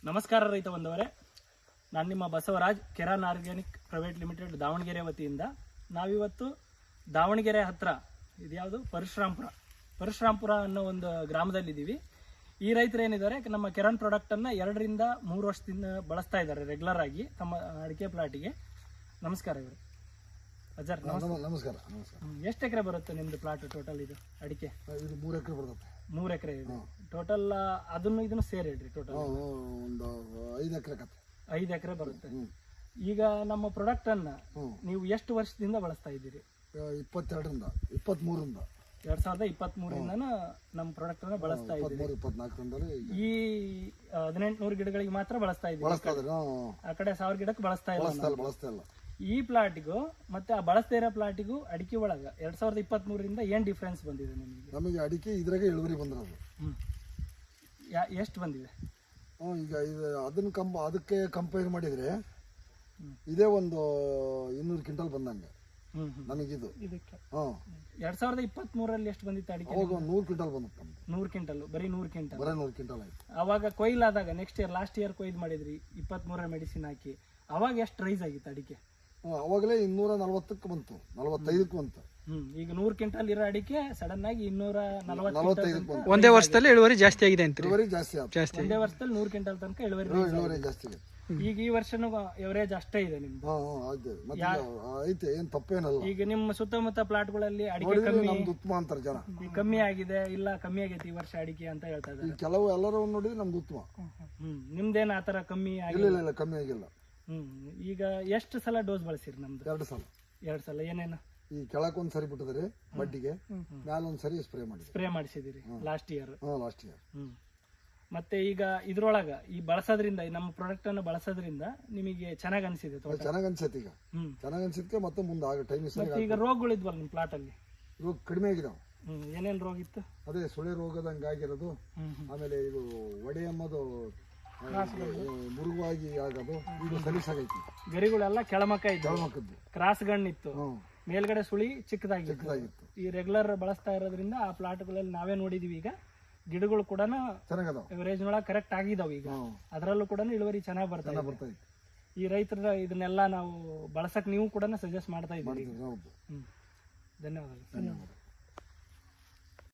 ನಮಸ್ಕಾರ ರೈತ ಬಂದವರೇ, ನಾನು ನಿಮ್ಮ ಬಸವರಾಜ್ ಕೆರಾನ್ ಆರ್ಗ್ಯಾನಿಕ್ ಪ್ರೈವೇಟ್ ಲಿಮಿಟೆಡ್ ದಾವಣಗೆರೆ ವತಿಯಿಂದ ನಾವಿವತ್ತು ದಾವಣಗೆರೆ ಹತ್ರ ಇದ್ಯಾವುದು ಪರಶುರಾಂಪುರ ಅನ್ನೋ ಒಂದು ಗ್ರಾಮದಲ್ಲಿದ್ದೀವಿ. ಈ ರೈತರು ಏನಿದ್ದಾರೆ ನಮ್ಮ ಕೆರಾನ್ ಪ್ರಾಡಕ್ಟನ್ನು 2 ರಿಂದ 3 ವರ್ಷದಿಂದ ಬಳಸ್ತಾ ಇದ್ದಾರೆ ರೆಗ್ಯುಲರ್ ಆಗಿ ತಮ್ಮ ಅಡಿಕೆ ಪ್ಲಾಟಿಗೆ. ನಮಸ್ಕಾರ ಇವರು ಅಜರ್. ನಮಸ್ಕಾರ. ಎಷ್ಟು ಎಕರೆ ಬರುತ್ತೆ ನಿಮ್ದು ಪ್ಲಾಟ್ ಟೋಟಲ್? ಇದು ಅಡಿಕೆ ಇದು 3 ಎಕರೆ ಬರುತ್ತೆ. 3 ಎಕರೆ ಇದೆ ಟೋಟಲ್. ಅದನ್ನು ಇದನ್ನು ಸೇರಿ ಹೇಳ್ರಿ ಟೋಟಲ್ ಒಂದು 5 ಎಕರೆ ಕತೆ. 5 ಎಕರೆ ಬರುತ್ತೆ. ಈಗ ನಮ್ಮ ಪ್ರಾಡಕ್ಟ್ ಅನ್ನ ನೀವು ಎಷ್ಟು ವರ್ಷದಿಂದ ಬಳಸ್ತಾ ಇದ್ದೀರಿ? 22ರಿಂದ 23ರಿಂದ 2023 ನಮ್ಮ ಪ್ರಾಡಕ್ಟ್ ಅನ್ನ ಬಳಸ್ತಾ ಇದ್ದೀರಿ. 24ರಿಂದಲೇ ಈ 1800 ಗಿಡಗಳಿಗೆ ಮಾತ್ರ ಬಳಸ್ತಾ ಇದ್ದೀರಿ. ಆ ಕಡೆ 1000 ಗಿಡಕ್ಕೆ ಬಳಸ್ತಾ ಇಲ್ಲ. ಈ ಪ್ಲಾಟಿಗೂ ಮತ್ತೆ ಆ ಬಳಸ್ತಾ ಇರೋ ಪ್ಲಾಟಿಗೂ ಅಡಿಕೆ ಒಳಗ 2023ರಿಂದ ಏನ್ ಡಿಫ್ರೆನ್ಸ್ ಬಂದಿದೆ ನಿಮಗೆ? ನಮಗೆ ಅಡಿಕೆ ಇದ್ರಾಗೆ ಇಳುವರಿ ಬಂದಿರೋದು. ಎಷ್ಟು ಬಂದಿದೆ? ಈಗ ಇದು ಅದಕ್ಕೆ ಕಂಪೇರ್ ಮಾಡಿದ್ರೆ ಇದೇ ಒಂದು 200 ಕ್ವಿಂಟಲ್ ಬಂದಂಗೆ ನಮಗಿದು. 2023ರಲ್ಲಿ ಎಷ್ಟು ಬಂದಿತ್ತು ಅಡಿಕೆ? 100 ಕ್ವಿಂಟಲ್ ಬಂದಿತ್ತು. 100 ಕ್ವಿಂಟಲ್, ಬರೀ 100 ಕ್ವಿಂಟಲ್. 100 ಕ್ವಿಂಟಲ್ ಆಯ್ತು. ಅವಾಗ ಕೊಯ್ಲಾದಾಗ ನೆಕ್ಸ್ಟ್ ಇಯರ್ ಲಾಸ್ಟ್ ಇಯರ್ ಕೊಯ್ದು ಮಾಡಿದ್ರಿ 23ರ ಮೆಡಿಸಿನ್ ಹಾಕಿ. ಅವಾಗ ಎಷ್ಟು ರೈಸ್ ಆಗಿತ್ತು ಅಡಿಕೆ? ಅವಾಗಲೇ 240ಕ್ಕೆ ಬಂತು, 45ಕ್ಕೆ ಬಂತು. ಈಗ 100 ಕ್ವಿಂಟಲ್ ಇರೋ ಅಡಿಕೆ ಸಡನ್ ಆಗಿ 245 ಒಂದೇ ವರ್ಷದಲ್ಲಿ ಇಳುವರಿ ಜಾಸ್ತಿ ಆಗಿದೆ ಅಂತ. ಇಳುವರಿ ಜಾಸ್ತಿ ಆಯ್ತು. ಒಂದೇ ವರ್ಷದಲ್ಲಿ 100 ಕ್ವಿಂಟಲ್ ತನಕ ಇಳುವರಿ ಜಾಸ್ತಿ ಆಗಿದೆ. ಈಗ ಈ ವರ್ಷನೂ ಎವರೇಜ್ ಅಷ್ಟೇ ಇದೆ ನಿಮ್ದು. ಐತೆ, ಏನ್ ತಪ್ಪೇನಲ್ಲ. ಈಗ ನಿಮ್ಮ ಸುತ್ತಮುತ್ತ ಪ್ಲಾಟ್ಗಳಲ್ಲಿ ಅಡಿಕೆ ಕಮ್ಮಿ ಉತ್ತಮ ಅಂತಾರೆ ಜನ. ಕಮ್ಮಿ ಆಗಿದೆ, ಇಲ್ಲ ಕಮ್ಮಿ ಆಗೈತಿ ಈ ವರ್ಷ ಅಡಿಕೆ ಅಂತ ಹೇಳ್ತಾ ಇದ್ದಾರೆ. ಕೆಲವು ಎಲ್ಲರೂ ನೋಡಿದ್ರೆ ನಮ್ದು ಉತ್ತಮ. ನಿಮ್ದೇನ ಆತರ ಕಮ್ಮಿ ಇಲ್ಲ, ಕಮ್ಮಿ ಆಗಿಲ್ಲ. ಈಗ ಎಷ್ಟು ಸಲ ಡೋಸ್ ಬಳಸಿರಿ? ನಮ್ದು 2 ಸಲ. 2 ಸಲ. ಏನೇನು? ಈ ಕೆಳಕ್ ಒಂದ್ಸರಿ ಬಿಟ್ಟಿದ್ರೆ ಬಡ್ಡಿಗೆ, ಮ್ಯಾಲ ಒಂದ್ಸರಿ ಸ್ಪ್ರೇ ಮಾಡಿಸಿದಿರಿ ಲಾಸ್ಟ್ ಇಯರ್. Last year. ಮತ್ತೆ ಈಗ ಇದ್ರೊಳಗ ಈ ಬಳಸೋದ್ರಿಂದ, ನಮ್ಮ ಪ್ರಾಡಕ್ಟ್ ಅನ್ನು ಬಳಸೋದ್ರಿಂದ ನಿಮಗೆ ಚೆನ್ನಾಗ್ ಅನ್ಸಿದೆ? ಚೆನ್ನಾಗ್ ಅನ್ಸೈತಿ. ಈಗ ಚೆನ್ನಾಗ್ ಅನ್ಸಿದ್ಕೆ ಮತ್ತೆ ಮುಂದೆ ಆಗ ಟೈಮ್. ಈಗ ರೋಗಗಳಿದ್ವಲ್ಲ ನಿಮ್ ಪ್ಲಾಟ್ ಅಲ್ಲಿ? ರೋಗ ಕಡಿಮೆ ಆಗಿದಾವ. ಏನೇನ್ ರೋಗ ಇತ್ತು? ಅದೇ ಸುಳೆ ರೋಗದಂಗ ಆಗಿರೋದು, ಆಮೇಲೆ ಇದು ಒಡೆ ಎಂಬುದು ಮುರುಗಾಗಿ ಆಗೋದು, ಈಗ ಸಲೀಸಾಗೈತಿ. ಗರಿಗಳೆಲ್ಲ ಕೆಳಮಕ್ಕ ಇದ್ದು, ಕ್ರಾಸ್ ಗಣ್ಣಿತ್ತು, ಮೇಲ್ಗಡೆ ಸುಳಿ ಚಿಕ್ಕದಾಗಿತ್ತು. ಈ ರೆಗ್ಯುಲರ್ ಬಳಸ್ತಾ ಇರೋದ್ರಿಂದ ಆ ಪ್ಲಾಟ್ಗಳಲ್ಲಿ ನಾವೇ ನೋಡಿದೀವಿ. ಈಗ ಗಿಡಗಳು ಕೂಡ ಎವರೇಜ್ ಒಳಗೆ ಕರೆಕ್ಟ್ ಆಗಿದಾವ. ಈಗ ಅದರಲ್ಲೂ ಕೂಡ ಇಳುವರಿ ಚೆನ್ನಾಗಿ ಬರ್ತಾ. ಈ ರೈತರ ಇದನ್ನೆಲ್ಲ ನಾವು ಬಳಸಕ್ ನೀವು ಕೂಡ ಸಜೆಸ್ಟ್ ಮಾಡ್ತಾ ಇದ್ದೀವಿ. ಧನ್ಯವಾದಗಳು.